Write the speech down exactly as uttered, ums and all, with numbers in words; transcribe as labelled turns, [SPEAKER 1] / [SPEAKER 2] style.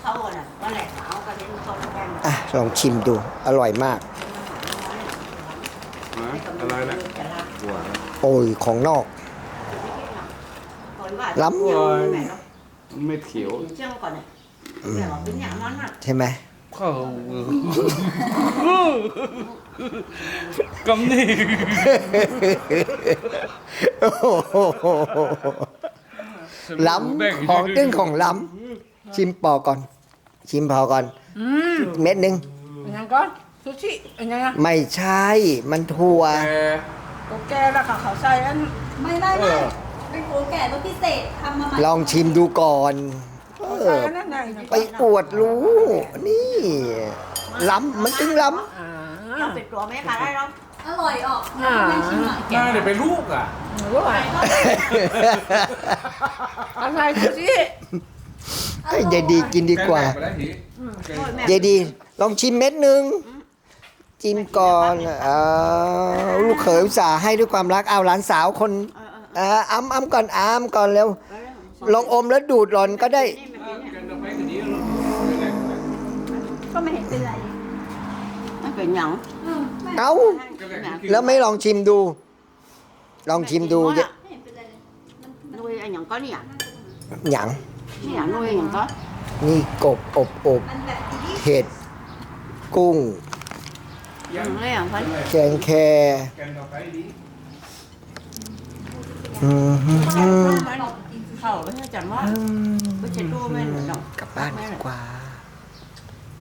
[SPEAKER 1] เขาอ่ะก็แหลกเอาก็เห็นคนแกง
[SPEAKER 2] อ่ะลองชิมดูอร่อยมาก
[SPEAKER 3] อะไรนะหัว
[SPEAKER 2] โอ้ยของนอก ล้ำ
[SPEAKER 3] เม็ดเขียว
[SPEAKER 1] เชื่อก่อนเนี่ยแต่ว่าเป็นอย่างนั้นอ่ะ
[SPEAKER 2] ใช่ไหม
[SPEAKER 3] เข้า กำนี่
[SPEAKER 2] โอ้โหล้ำของตึ้งของล้ำชิมปอก่อน ชิมพอก่อน
[SPEAKER 4] อืม
[SPEAKER 2] เม็ดหนึ่ง
[SPEAKER 4] อันยังก็ซูชิอันยังอะ
[SPEAKER 2] ไม่ใช่มันถั่ว
[SPEAKER 3] แก
[SPEAKER 4] ก็แกแล้วค่ะเขาใส่อัน
[SPEAKER 5] ไม่ไม่ไม่เป็นโกแก่รสพิเศษทำมาใหม่
[SPEAKER 2] ลองชิมดูก่อนเอ
[SPEAKER 4] ใส่
[SPEAKER 2] อ
[SPEAKER 4] อันนั้นไหน
[SPEAKER 2] ไปอวดรู้ นี่ล้ำมันตึงล้
[SPEAKER 4] อ่า
[SPEAKER 1] เราปิดตัวไม่ค่ะได้หรอก
[SPEAKER 5] อร่อยออก
[SPEAKER 4] อ่า
[SPEAKER 5] ไม่ชิมหน่อย
[SPEAKER 3] น่าเดี๋ยวไปลูกอ่ะ
[SPEAKER 4] รู้ไหม
[SPEAKER 2] ำ
[SPEAKER 4] อะไรซูชิ
[SPEAKER 2] เฮ้ยยายดีกินดีกว่า
[SPEAKER 3] แกแหลไปแล้วหี
[SPEAKER 2] ยายดี ลองชิมเม็ดหนึ่งจิ้มก่อนเออลูกเขยอุตส่าห์ให้ด้วยความรักเอาหลานสาวคนเอออ้ำอ้ำก่อนอ้ำก่อนเร็วลองอมแล้วดูดหล่อนก็ได้
[SPEAKER 3] แกจะไปกันนี้แล้ว
[SPEAKER 5] ก็ไม่เห็นเป็นไร
[SPEAKER 1] มันเป็นอย่าง
[SPEAKER 5] อืมไม่
[SPEAKER 2] เอ้าแล้วไม่ลองชิมดู ลองชิมดู
[SPEAKER 5] ไม่เห็นเป็นไรเลยมันมัน
[SPEAKER 1] nuôi anh nhận có nè
[SPEAKER 2] หยัง
[SPEAKER 1] nè nuôi nhận có
[SPEAKER 2] นี่กบอบอบ
[SPEAKER 5] มันแบบนี้
[SPEAKER 2] เห็ด กุ้ง
[SPEAKER 1] đừng lấy ăn phải
[SPEAKER 2] แกงแค
[SPEAKER 3] แกนต่อไปดี
[SPEAKER 2] อืมฮึ่มฮึ่ม
[SPEAKER 1] khẩu với chả mót với chả đua bên rồi
[SPEAKER 2] กลับบ้านดีกว่า